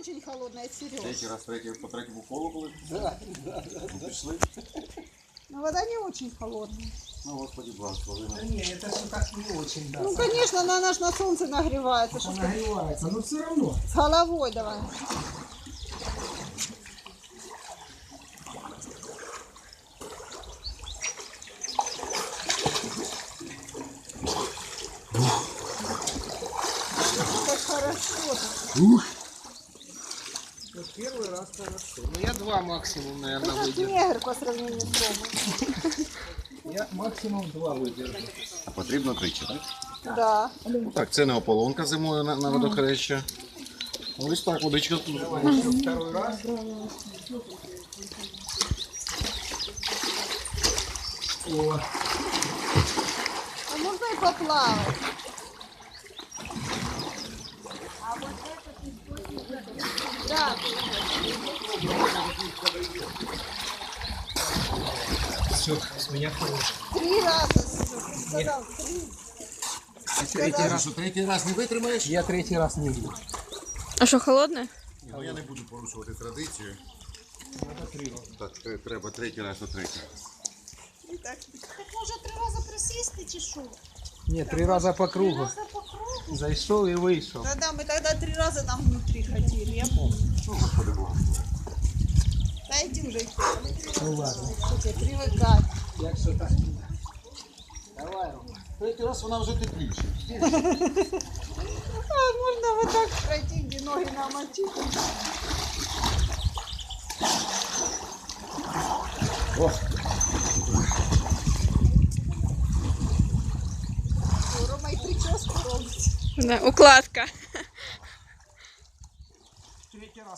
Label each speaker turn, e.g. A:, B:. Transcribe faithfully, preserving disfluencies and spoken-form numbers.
A: очень холодная, Сереж.
B: Третій раз, третій, по третьому колу були?
C: Да, да, да.
B: Ну, пішли.
A: Но вода не очень холодная.
B: Ну, господи, благослови.
C: Да не, это все так не очень, да.
A: Ну, конечно, она наш на солнце нагревается.
C: Это
A: Что ж ты
C: нагревается, но все равно.
A: с головой давай. Как хорошо-то.
B: Ух!
C: Вот первый раз хорошо. Ну я два максимум, наверное,
A: Ты как
C: выдержу.
A: негр по сравнению с Ромой.
C: Я максимум два выдержу.
B: А потрібно тричі, так?
A: Да.
B: Так, це не ополонка зимою на, на водохреща. Ось так, водичка тут.
C: Давай еще второй раз. О,
A: А можно и поплавать. Да.
C: все, с меня хорошо.
A: Три раза, Сереж, ты сказал, три.
C: Третий
B: Ти
C: раз.
B: що, третій раз не витримаєш?
C: Я третий раз не буду.
D: А що, холодне?
B: Ні, ну я не буду порушувати традицію.
C: Надо три раза.
B: Так, тре- треба третій раз на третій.
A: И так.
E: Так може три рази присісти чи що?
C: Нет, три раза по
E: Три
C: кругу.
E: рази по кругу?
C: Зашел и вышел.
A: Да-да, мы тогда три раза там внутри ходили, я помню.
B: Ну, господи, благослови.
A: Да иди уже,
C: Ну ладно.
A: что тебе привыкать.
C: Як що так? Давай, Рома.
B: Третій раз вона вже тепліше.
A: А можно вот так пройти, где ноги намочить.
B: О,
A: О, Рома и прическу робить.
D: Да, укладка.
C: Третий раз.